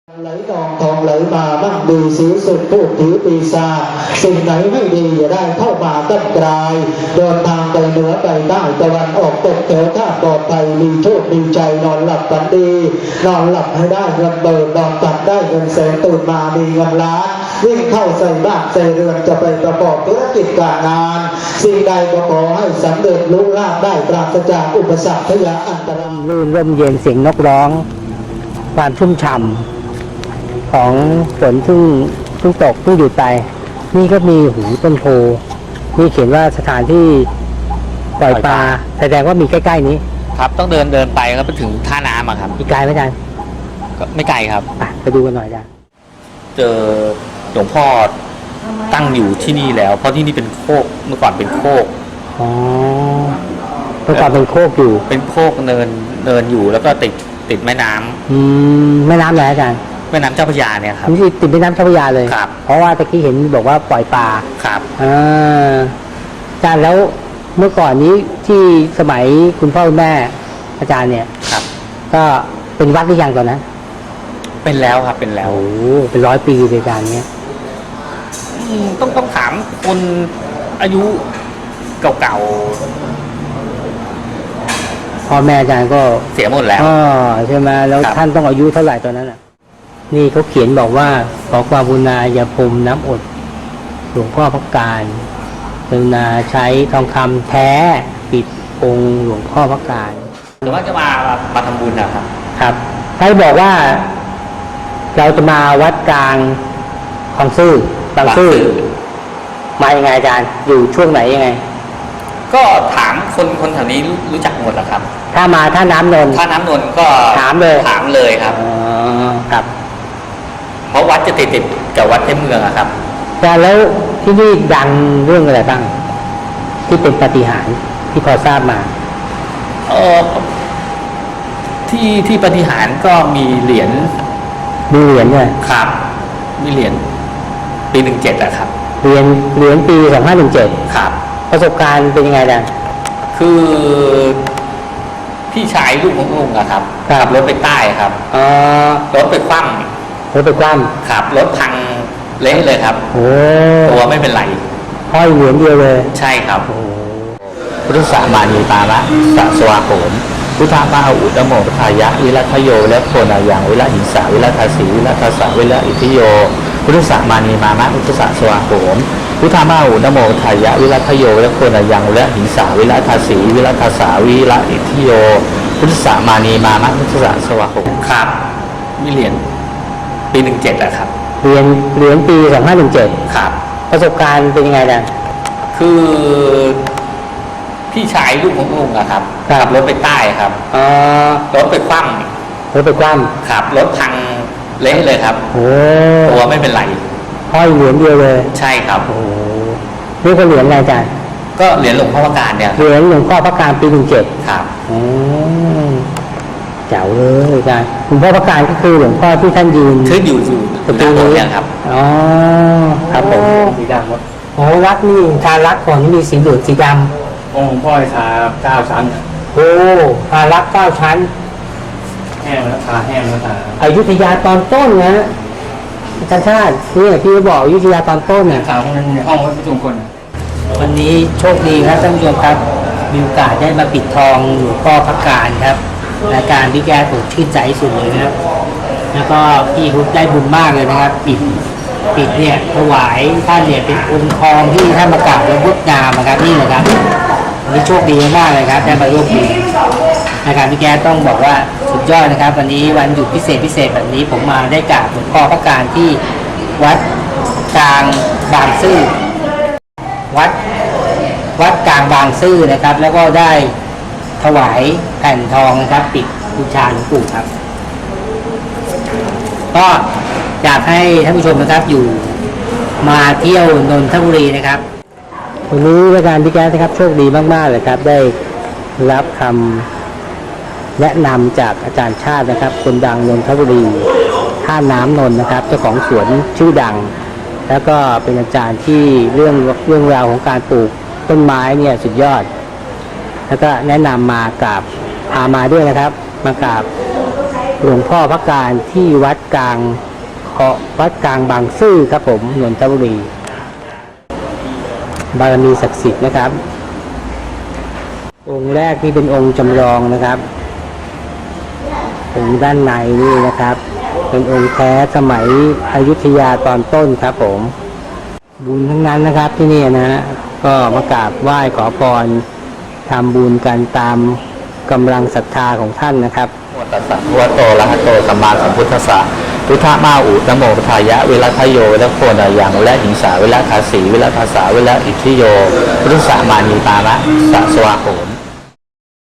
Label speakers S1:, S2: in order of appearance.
S1: ไหลทองไหลมามั่งมีสีสุดพูดถือปีศาจสิ่งไหนไม่ดีอย่าได้เข้ามาตั้งกลายเดินทางไปเหนือไปใต้ตะวันออกตกแถวท่าปลอดภัยมีโชคมีใจนอนหลับฝันดีนอนหลับให้ได้เงินเบิกนอนตัดได้เงินแสนตื่นมามีเงินล้านวิ่งเข้าใส่บ้านใส่เรือนจะไปประกอบธุรกิจการงานสิ่งใดก็ขอให้สำเร็จลุล่าได้ปราศจากอุปสรรคพยาอันตราย
S2: รื่นร่มเย็นเสียงนกร้องความชุ่มฉ่ำของฝนเพิ่งตกเพิ่งหยุดไปนี่ก็มีหูต้นโพนี่เขียนว่าสถานที่ปล่อยปลาแสดงว่ามีใกล้ๆนี้
S3: ครับต้องเดินไปก็ไปถึงท่าน้ำครับ
S2: อีกไกลไหมอาจารย์
S3: ก็ไม่ไกลครับ
S2: ไปดูกันหน่อยอาจารย์
S3: เจอหลวงพ่อตั้งอยู่ที่นี่แล้วเพราะที่นี่เป็นโคกเมื่อก่อนเป็นโคก
S2: อ๋อเมื่อก่อนเป็นโคกอยู่
S3: เป็นโคกเนินอยู่แล้วก็ติดแม่น้
S2: ำแม่น้ำไหนอาจารย์
S3: แม่น้ำเจ้าพระยาเนี่ยครับ
S2: ที่ติดแม่น้ำเจ้าพระยาเลย
S3: ครับ
S2: เพราะว่าตะกี้เห็นบอกว่าปล่อยปลา
S3: ครับ
S2: อาจารย์แล้วเมื่อก่อนนี้ที่สมัยคุณพ่อคุณแม่อาจารย์เนี่ย
S3: ครับ
S2: ก็เป็นวัดหรือยังตอนนั้น
S3: เป็นแล้วครับเป็นแล้ว
S2: โอ้เป็น100 ปีเลยอาจารย์เนี้ย
S3: ต้องถามคนอายุเก่า
S2: พ่อแม่อาจารย์ก็
S3: เสียหมดแล้ว
S2: ใช่ไหมแล้วท่านต้องอายุเท่าไหร่ตอนนั้นอ่ะนี่เขาเขียนบอกว่าขอความกรุณาอย่าพรมน้ำอดหลวงพ่อพระการกรุณาใช้ทองคำแท้ปิดองค์หลวงพ่อพระการ
S3: หรือว่าจะมาทำบุญนะครับ
S2: ครับท่านบอกว่าเราจะมาวัดกลางบางซื่อบางซื่อมายังไงอาจารย์อยู่ช่วงไหนยังไง
S3: ก็ถามคนแถวนี้รู้จักหมดแล้วครับ
S2: ถ้ามาท่าน้ำนน
S3: ก็
S2: ถามเลย
S3: ครับ
S2: ครับ
S3: เพราะวัดจะติดกับวัดในเมืองครับ
S2: แต่แล้วที่นี่ดังเรื่องอะไรบ้างที่เป็นปาฏิหาริย์ที่พอทราบมา
S3: ที่ปาฏิหาริย์ก็มีเหรียญ
S2: ด้วย
S3: ครับมีเหรียญปี17อะครับ
S2: เหรียญปี2517
S3: ครับ
S2: ประสบการณ์เป็นยังไงดัง
S3: คือพี่ชายลูกของลุงอะครับขับรถไปใต้ครับรถไปคว่ำครับรถพังเละเลยครับตัวไม่เป็นไร
S2: ห้อยเหรียญเดียวเลย
S3: ใช่ครับพุทธสามานีปาระสัสวาโหมพุทธมาอุตโมทายะวิรัตโยและโพนายังวิรัหิงสาวิรัตสีวิรัตสาวิรัอิทิโยพุทธสามานีมามะพุทธสสวาโหมพุทธมาอุตโมทายะวิรัตโยและโพนายังวิรัหิงสาวิรัตสีวิรัตสาวิรัอิทิโยพุทธสามานีมามะพุทธสสวาโหมครับมีเหรียญปี17อะครับ
S2: เหรียญปี2517
S3: ครับ
S2: ประสบการณ์เป็นยังไงดัง
S3: คือพี่ชายลูกของลุงอะครับขับรถไปใต้ครับรถไปคว่ำครับรถพังเละเลยครับตัวไม่เป็นไร
S2: ห้อยเหรียญเดียวเลย
S3: ใช่ครับ
S2: นี่ก็เหรียญอะไรอาจารย์
S3: ก็เหรียญหลวงพ่อพระการเนี่ย
S2: เหรียญหลวงพ่อพระการปี17
S3: ครับ
S2: เจ๋วเลยอาจารย์หลวงพ่อพระการก็คือหลวงพ่อที่ท่านยืน
S3: อยู่ประตูนี้ครับ
S2: ครับผมสีดำครับรักนี่ทารักก่อนนี่มีสีเหลืองสีดำ
S4: องค์พ่อทา9 ชั้น
S2: ทารัก9 ชั้น
S4: แห้งแล้วทาแห้งแล้วทา
S2: อยุธยาตอนต้นนะอาจารย์นี่พี่บอกอยุธยาตอนต้นเนี่ย
S4: ทาพวกนั้นในห้องวัดประชุมคน
S2: วันนี้โชคดีครับท่านผู้ชมครับมีโอกาสได้มาปิดทองหลวงพ่อพระการครับรายการพี่แก้ผมชื่นใจสุดเลยนะครับแล้วก็พี่เขาได้บุญมากเลยนะครับปิดเนี่ยถวายท่านเนี่ยเป็นองค์ทองที่ท่านมากราบแล้วงดงามนะครับนี่นะครับวันนี้โชคดีมากเลยครับได้มาร่วมบุญรายการพี่แก้ต้องบอกว่าสุดยอดนะครับวันนี้วันหยุดพิเศษแบบนี้ผมมาได้กราบหลวงพ่อพระการที่วัดกลางบางซื่อวัดกลางบางซื่อนะครับแล้วก็ได้ถวายแผ่นทองนะครับปิดบูชาหลวงปู่ครับก็อยากให้ท่านผู้ชมนะครับอยู่มาเที่ยวนนทบุรีนะครับวันนี้รายการพี่แก๊สนะครับโชคดีมากๆเลยครับได้รับคำแนะนำจากอาจารย์ชาตินะครับคนดังนนทบุรีท่าน้ำนนท์นะครับเจ้าของสวนชื่อดังแล้วก็เป็นอาจารย์ที่เรื่องราวของการปลูกต้นไม้เนี่ยสุดยอดแล้วก็แนะนำมากราบพามาด้วยนะครับมากราบหลวงพ่อพระการที่วัดกลางบางซื่อครับผมนนทบุรีบารมีศักดิ์สิทธิ์นะครับองค์แรกนี่เป็นองค์จำลองนะครับองค์ด้านในนี่นะครับ เป็นองค์แท้สมัยอยุธยาตอนต้นครับผมบุญทั้งนั้นนะครับที่นี่นะฮะก็มากราบไหว้ขอพรทำบุญกันตามกำลังศรัทธาของท่านนะครับ
S3: ตัสสะภะคะวะโตอะระหะโตสัมมาสัมพุทธัสสะพุทธะมาอุนะโมพุทธายะวิรัตโยวิรัตโพนายังวิรัตหิงสาวิรัตคาสีวิรัตภาษาวิรัตอิทธิโยพุทธะมานีปาระสะสวะโหม